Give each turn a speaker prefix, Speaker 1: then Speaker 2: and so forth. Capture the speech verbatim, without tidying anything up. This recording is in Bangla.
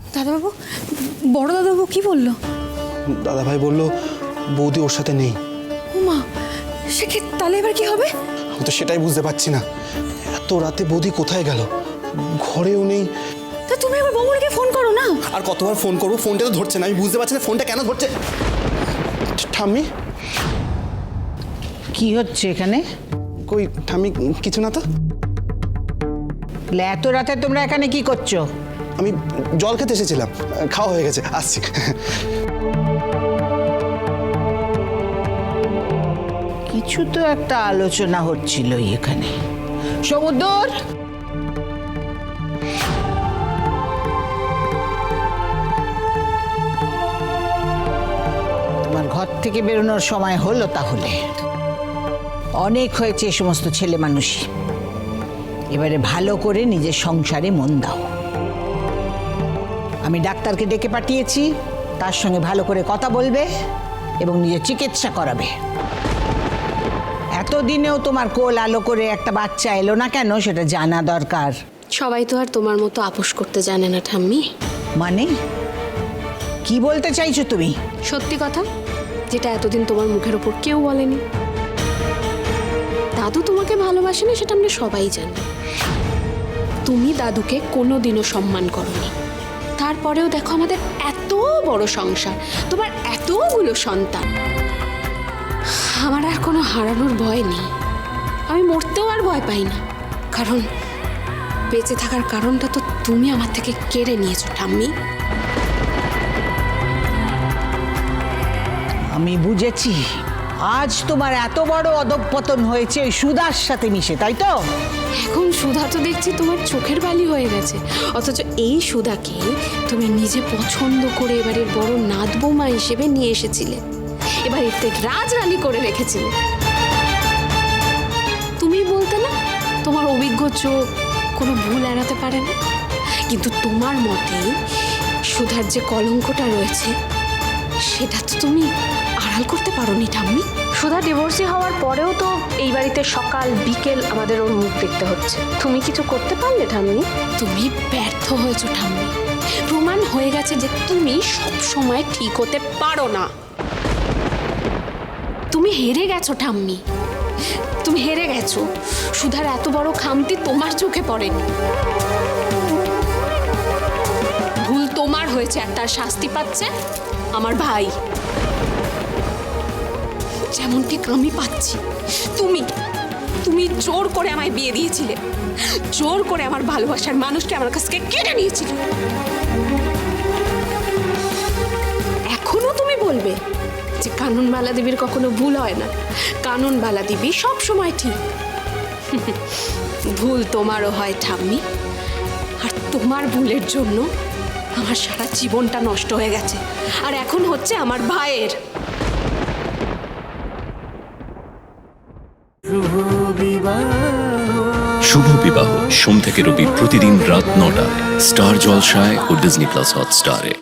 Speaker 1: দাদাবাবু, বড় দাদাবাবু কি বললো?
Speaker 2: দাদা ভাই বললো বৌদি ওর সাথে নেই।
Speaker 1: উমা, সে কি তাহলে এবার কি হবে?
Speaker 2: আমি তো সেটাই বুঝতে পারছি না, এত রাতে বৌদি কোথায় গেল, ঘরেও নেই।
Speaker 1: তা তুমি একবার বৌমনিকে ফোন করো না।
Speaker 2: আর কতবার ফোন করবো, ফোনটা তো ধরছে না। আমি বুঝতে পারছি না ফোনটা কেন ধরছে। ঠাম্মি,
Speaker 3: কি হচ্ছে এখানে?
Speaker 2: কই ঠাম্মি, কিছু না তো।
Speaker 3: এত রাতে তোমরা এখানে কি করছো?
Speaker 2: আমি জল খেতে এসেছিলাম, খাওয়া হয়ে গেছে, আসছি।
Speaker 3: কিছু তো একটা আলোচনা হচ্ছিল এখানে। সমুদ্র, তোমার ঘর থেকে বেরোনোর সময় হলো তাহলে। অনেক হয়েছে এই সমস্ত ছেলে মানুষই। এবারে ভালো করে নিজের সংসারে মন দাও। আমি ডাক্তারকে ডেকে পাঠিয়েছি, তার সঙ্গে ভালো করে কথা বলবে এবং নিজের চিকিৎসা করাবে। এতদিনেও তোমার কোল আলো করে একটা বাচ্চা এলো না কেন সেটা জানা দরকার।
Speaker 4: সবাই তো আর তোমার মতো আপোষ করতে জানে না ঠাম্মি।
Speaker 3: মানে কি বলতে চাইছো তুমি?
Speaker 4: সত্যি কথা, যেটা এতদিন তোমার মুখের ওপর কেউ বলেনি। দাদু তোমাকে ভালোবাসে না, সেটা আমরা সবাই জানি। তুমি দাদুকে কোনোদিনও সম্মান করোনি। তারপরেও দেখো আমাদের এত বড় সংসার, তোমার এতগুলো সন্তান। আমার আর কোনো হারানোর ভয় নেই। আমি মরতেও আর ভয় পাই না, কারণ বেঁচে থাকার কারণটা তো তুমি আমার থেকে কেড়ে নিয়েছো ঠাম্মি।
Speaker 3: আমি বুঝেছি, আজ তোমার এত বড় অধঃপতন হয়েছে ওই সুধার সাথে মিশে, তাই তো?
Speaker 4: এখন সুধা তো দেখছি তোমার চোখের বালি হয়ে গেছে, অথচ এই সুধাকে তুমি নিজে পছন্দ করে এবারের বড় নাত বৌমা হিসেবে নিয়ে এসেছিলে, এবার এতে রাজরানী করে রেখেছিলে। তুমি বলতে না তোমার অভিজ্ঞ চোখ কোনো ভুল এড়াতে পারে না, কিন্তু তোমার মতে সুধার যে কলঙ্কটা রয়েছে সেটা তো তুমি আড়াল করতে পারোনি ঠাম্মি। সুধা ডিভোর্সি হওয়ার পরেও তো এই বাড়িতে সকাল বিকেল আমাদের ওর মুখ দেখতে হচ্ছে। তুমি কিছু করতে পারলে ঠাম্মি? তুমি ব্যর্থ হয়েছো ঠাম্মি। প্রমাণ হয়ে গেছে যে তুমি সব সময় ঠিক হতে পারো না। তুমি হেরে গেছো ঠাম্মি, তুমি হেরে গেছো। সুধার এত বড় খামতি তোমার চোখে পড়েনি। ভুল তোমার হয়েছে আর তার শাস্তি পাচ্ছে আমার ভাই, যেমন ঠিক আমি পাচ্ছি। তুমি তুমি জোর করে আমায় বিয়ে দিয়েছিলে, জোর করে আমার ভালোবাসার মানুষকে আমার কাছ থেকে কেড়ে নিয়েছিলে। এখনো তুমি বলবে যে কানুনবালা দেবীর কখনো ভুল হয় না, কানুনবালা দেবী সব সময় ঠিক। ভুল তোমারও হয় ঠাম্মি, আর তোমার ভুলের জন্য আমার সারা জীবনটা নষ্ট হয়ে গেছে, আর এখন হচ্ছে আমার ভাইয়ের।
Speaker 5: শুভ বিবাহ সোম থেকে রবি প্রতিদিন রাত নটায় স্টার জলসায় ও ডিজনি প্লাস হটস্টারে।